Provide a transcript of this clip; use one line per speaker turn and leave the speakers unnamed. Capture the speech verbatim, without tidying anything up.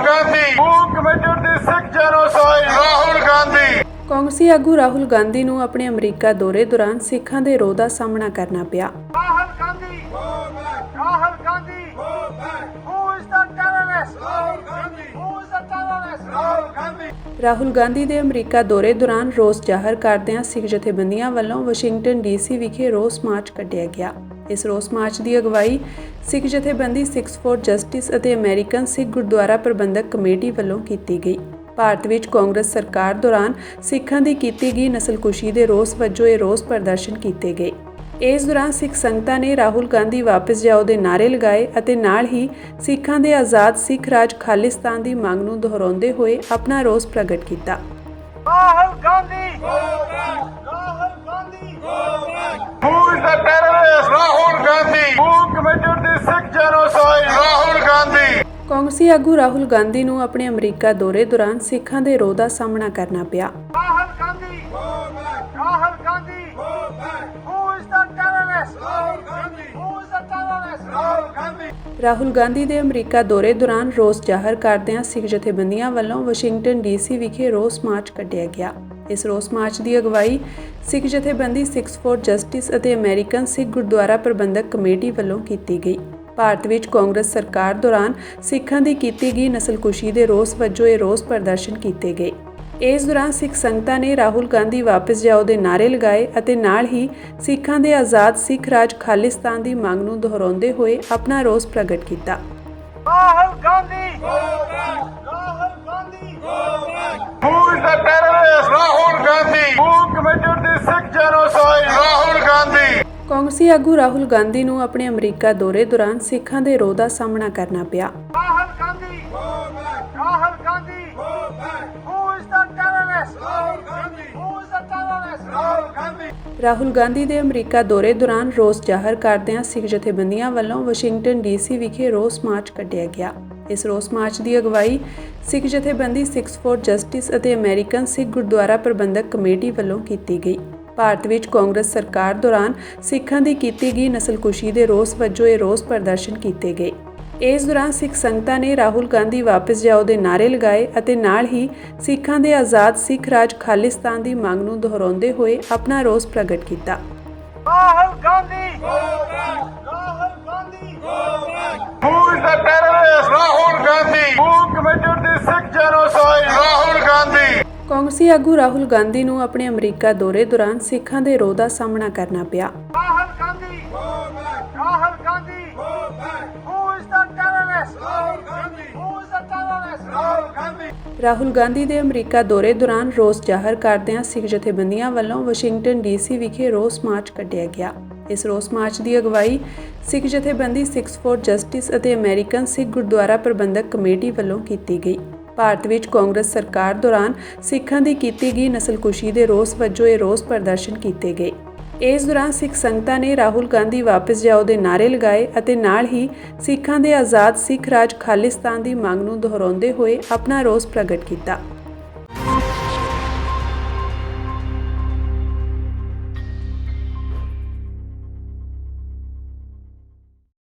Gandhi move committee ਦੇ Sikh genocide Rahul Gandhi.
ਕਾਂਗਰਸੀ ਆਗੂ ਰਾਹੁਲ ਗਾਂਧੀ ਨੂੰ ਆਪਣੇ ਅਮਰੀਕਾ ਦੌਰੇ ਦੌਰਾਨ ਸਿੱਖਾਂ ਦੇ ਰੋਹ ਦਾ ਸਾਹਮਣਾ ਕਰਨਾ ਪਿਆ।
Rahul Gandhi Rahul Gandhi who is the terrorist Rahul Gandhi who is the terrorist Rahul Gandhi.
Rahul Gandhi ਦੇ ਅਮਰੀਕਾ ਦੌਰੇ ਦੌਰਾਨ ਰੋਸ ਜ਼ਾਹਰ ਕਰਦਿਆਂ ਸਿੱਖ ਜਥੇਬੰਦੀਆਂ ਵੱਲੋਂ ਵਾਸ਼ਿੰਗਟਨ ਡੀਸੀ ਵਿਖੇ ਰੋਸ ਮਾਰਚ ਕੱਢਿਆ ਗਿਆ। ਇਸ ਰੋਸ ਮਾਰਚ ਦੀ ਅਗਵਾਈ ਸਿੱਖ ਜਥੇਬੰਦੀ ਸਿੱਖਸ ਫੋਰ ਜਸਟਿਸ ਅਤੇ ਅਮਰੀਕਨ ਸਿੱਖ ਗੁਰਦੁਆਰਾ ਪ੍ਰਬੰਧਕ ਕਮੇਟੀ ਵੱਲੋਂ ਕੀਤੀ ਗਈ। ਭਾਰਤ ਵਿੱਚ ਕਾਂਗਰਸ ਸਰਕਾਰ ਦੌਰਾਨ ਸਿੱਖਾਂ ਦੀ ਕੀਤੀ ਗਈ ਨਸਲਕੁਸ਼ੀ ਦੇ ਰੋਸ ਵਜੋਂ ਇਹ ਰੋਸ ਪ੍ਰਦਰਸ਼ਨ ਕੀਤੇ ਗਏ। ਇਸ ਦੌਰਾਨ ਸਿੱਖ ਸੰਗਤਾਂ ਨੇ ਰਾਹੁਲ ਗਾਂਧੀ ਵਾਪਸ ਜਾਓ ਦੇ ਨਾਅਰੇ ਲਗਾਏ ਅਤੇ ਨਾਲ ਹੀ ਸਿੱਖਾਂ ਦੇ ਆਜ਼ਾਦ ਸਿੱਖ ਰਾਜ ਖਾਲਿਸਤਾਨ ਦੀ ਮੰਗ ਨੂੰ ਦੁਹਰਾਉਂਦੇ ਹੋਏ ਆਪਣਾ ਰੋਸ ਪ੍ਰਗਟ ਕੀਤਾ।
Rahul Gandhi Rahul Gandhi who is the terrorist Rahul Gandhi move committee ਦੇ ਸਿੱਖ ਜੈਨੋਸਾਈਡ ਰਾਹੁਲ ਗਾਂਧੀ।
ਕਾਂਗਰਸੀ ਆਗੂ ਰਾਹੁਲ ਗਾਂਧੀ ਨੂੰ ਆਪਣੇ ਅਮਰੀਕਾ ਦੌਰੇ ਦੌਰਾਨ ਸਿੱਖਾਂ ਦੇ ਰੋਹ ਦਾ ਸਾਹਮਣਾ ਕਰਨਾ ਪਿਆ।
Rahul Gandhi Rahul Gandhi who is the terrorist Rahul Gandhi who is the terrorist Rahul Gandhi.
Rahul Gandhi ਦੇ ਅਮਰੀਕਾ ਦੌਰੇ ਦੌਰਾਨ ਰੋਸ ਜ਼ਾਹਰ ਕਰਦਿਆਂ ਸਿੱਖ ਜਥੇਬੰਦੀਆਂ ਵੱਲੋਂ ਵਾਸ਼ਿੰਗਟਨ ਡੀਸੀ ਵਿਖੇ ਰੋਸ ਮਾਰਚ ਕੱਢਿਆ ਗਿਆ। ਇਸ ਰੋਸ ਮਾਰਚ ਦੀ ਅਗਵਾਈ ਸਿੱਖ ਜਥੇਬੰਦੀ ਸਿੱਖਸ ਫੋਰ ਜਸਟਿਸ ਅਤੇ ਅਮਰੀਕਨ ਸਿੱਖ ਗੁਰਦੁਆਰਾ ਪ੍ਰਬੰਧਕ ਕਮੇਟੀ ਵੱਲੋਂ ਕੀਤੀ ਗਈ। ਭਾਰਤ ਵਿੱਚ ਕਾਂਗਰਸ ਸਰਕਾਰ ਦੌਰਾਨ ਸਿੱਖਾਂ ਦੀ ਕੀਤੀ ਗਈ ਨਸਲਕੁਸ਼ੀ ਦੇ ਰੋਸ ਵਜੋਂ ਇਹ ਰੋਸ ਪ੍ਰਦਰਸ਼ਨ ਕੀਤੇ ਗਏ। ਇਸ ਦੌਰਾਨ ਸਿੱਖ ਸੰਗਤਾਂ ਨੇ ਰਾਹੁਲ ਗਾਂਧੀ ਵਾਪਸ ਜਾਓ ਦੇ ਨਾਅਰੇ ਲਗਾਏ ਅਤੇ ਨਾਲ ਹੀ ਸਿੱਖਾਂ ਦੇ ਆਜ਼ਾਦ ਸਿੱਖ ਰਾਜ ਖਾਲਿਸਤਾਨ ਦੀ ਮੰਗ ਨੂੰ ਦੁਹਰਾਉਂਦੇ ਹੋਏ ਆਪਣਾ ਰੋਸ ਪ੍ਰਗਟ ਕੀਤਾ।
Rahul Gandhi Rahul Gandhi who is the terrorist Rahul Gandhi move committee ਦੇ ਸਿੱਖ ਜੈਨੋਸਾਈਡ ਰਾਹੁਲ ਗਾਂਧੀ।
ਕਾਂਗਰਸੀ ਆਗੂ ਰਾਹੁਲ ਗਾਂਧੀ ਨੂੰ ਆਪਣੇ ਅਮਰੀਕਾ ਦੌਰੇ ਦੌਰਾਨ ਸਿੱਖਾਂ ਦੇ ਰੋਹ ਦਾ ਸਾਹਮਣਾ ਕਰਨਾ ਪਿਆ।
Rahul Gandhi Rahul Gandhi who is the terrorist Rahul Gandhi who is the terrorist Rahul Gandhi.
Rahul Gandhi ਦੇ ਅਮਰੀਕਾ ਦੌਰੇ ਦੌਰਾਨ ਰੋਸ ਜ਼ਾਹਰ ਕਰਦਿਆਂ ਸਿੱਖ ਜਥੇਬੰਦੀਆਂ ਵੱਲੋਂ ਵਾਸ਼ਿੰਗਟਨ ਡੀਸੀ ਵਿਖੇ ਰੋਸ ਮਾਰਚ ਕੱਢਿਆ ਗਿਆ। ਇਸ ਰੋਸ ਮਾਰਚ ਦੀ ਅਗਵਾਈ ਸਿੱਖ ਜਥੇਬੰਦੀ ਸਿੱਖਸ ਫੋਰ ਜਸਟਿਸ ਅਤੇ ਅਮਰੀਕਨ ਸਿੱਖ ਗੁਰਦੁਆਰਾ ਪ੍ਰਬੰਧਕ ਕਮੇਟੀ ਵੱਲੋਂ ਕੀਤੀ ਗਈ। ਭਾਰਤ ਵਿੱਚ ਕਾਂਗਰਸ ਸਰਕਾਰ ਦੌਰਾਨ ਸਿੱਖਾਂ ਦੀ ਕੀਤੀ ਗਈ ਨਸਲਕੁਸ਼ੀ ਦੇ ਰੋਸ ਵਜੋਂ ਇਹ ਰੋਸ ਪ੍ਰਦਰਸ਼ਨ ਕੀਤੇ ਗਏ। ਇਸ ਦੌਰਾਨ ਸਿੱਖ ਸੰਗਤਾਂ ਨੇ ਰਾਹੁਲ ਗਾਂਧੀ ਵਾਪਸ ਜਾਓ ਦੇ ਨਾਅਰੇ ਲਗਾਏ ਅਤੇ ਨਾਲ ਹੀ ਸਿੱਖਾਂ ਦੇ ਆਜ਼ਾਦ ਸਿੱਖ ਰਾਜ ਖਾਲਿਸਤਾਨ ਦੀ ਮੰਗ ਨੂੰ ਦੁਹਰਾਉਂਦੇ ਹੋਏ ਆਪਣਾ ਰੋਸ ਪ੍ਰਗਟ ਕੀਤਾ।
Rahul Gandhi Rahul Gandhi who is the terrorist Rahul Gandhi move committee ਦੇ ਸਿੱਖ ਜੈਨੋਸਾਈਡ ਰਾਹੁਲ ਗਾਂਧੀ।
ਕਾਂਗਰਸੀ ਆਗੂ ਰਾਹੁਲ ਗਾਂਧੀ ਨੂੰ ਆਪਣੇ ਅਮਰੀਕਾ ਦੌਰੇ ਦੌਰਾਨ ਸਿੱਖਾਂ ਦੇ ਰੋਹ ਦਾ ਸਾਹਮਣਾ ਕਰਨਾ ਪਿਆ।
Rahul Gandhi Rahul Gandhi who is the terrorist Rahul Gandhi who is the terrorist Rahul Gandhi.
Rahul Gandhi ਦੇ ਅਮਰੀਕਾ ਦੌਰੇ ਦੌਰਾਨ ਰੋਸ ਜ਼ਾਹਰ ਕਰਦਿਆਂ ਸਿੱਖ ਜਥੇਬੰਦੀਆਂ ਵੱਲੋਂ ਵਾਸ਼ਿੰਗਟਨ ਡੀਸੀ ਵਿਖੇ ਰੋਸ ਮਾਰਚ ਕੱਢਿਆ ਗਿਆ। ਇਸ ਰੋਸ ਮਾਰਚ ਦੀ ਅਗਵਾਈ ਸਿੱਖ ਜਥੇਬੰਦੀ ਸਿੱਖਸ ਫੋਰ ਜਸਟਿਸ ਅਤੇ ਅਮਰੀਕਨ ਸਿੱਖ ਗੁਰਦੁਆਰਾ ਪ੍ਰਬੰਧਕ ਕਮੇਟੀ ਵੱਲੋਂ ਕੀਤੀ ਗਈ। ਭਾਰਤ ਵਿੱਚ ਕਾਂਗਰਸ ਸਰਕਾਰ ਦੌਰਾਨ ਸਿੱਖਾਂ ਦੀ ਕੀਤੀ ਗਈ ਨਸਲਕੁਸ਼ੀ ਦੇ ਰੋਸ ਵਜੋਂ ਇਹ ਰੋਸ ਪ੍ਰਦਰਸ਼ਨ ਕੀਤੇ ਗਏ। ਇਸ ਦੌਰਾਨ ਸਿੱਖ ਸੰਗਤਾਂ ਨੇ ਰਾਹੁਲ ਗਾਂਧੀ ਵਾਪਸ ਜਾਓ ਦੇ ਨਾਅਰੇ ਲਗਾਏ ਅਤੇ ਨਾਲ ਹੀ ਸਿੱਖਾਂ ਦੇ ਆਜ਼ਾਦ ਸਿੱਖ ਰਾਜ ਖਾਲਿਸਤਾਨ ਦੀ ਮੰਗ ਨੂੰ ਦੁਹਰਾਉਂਦੇ ਹੋਏ ਆਪਣਾ ਰੋਸ ਪ੍ਰਗਟ ਕੀਤਾ।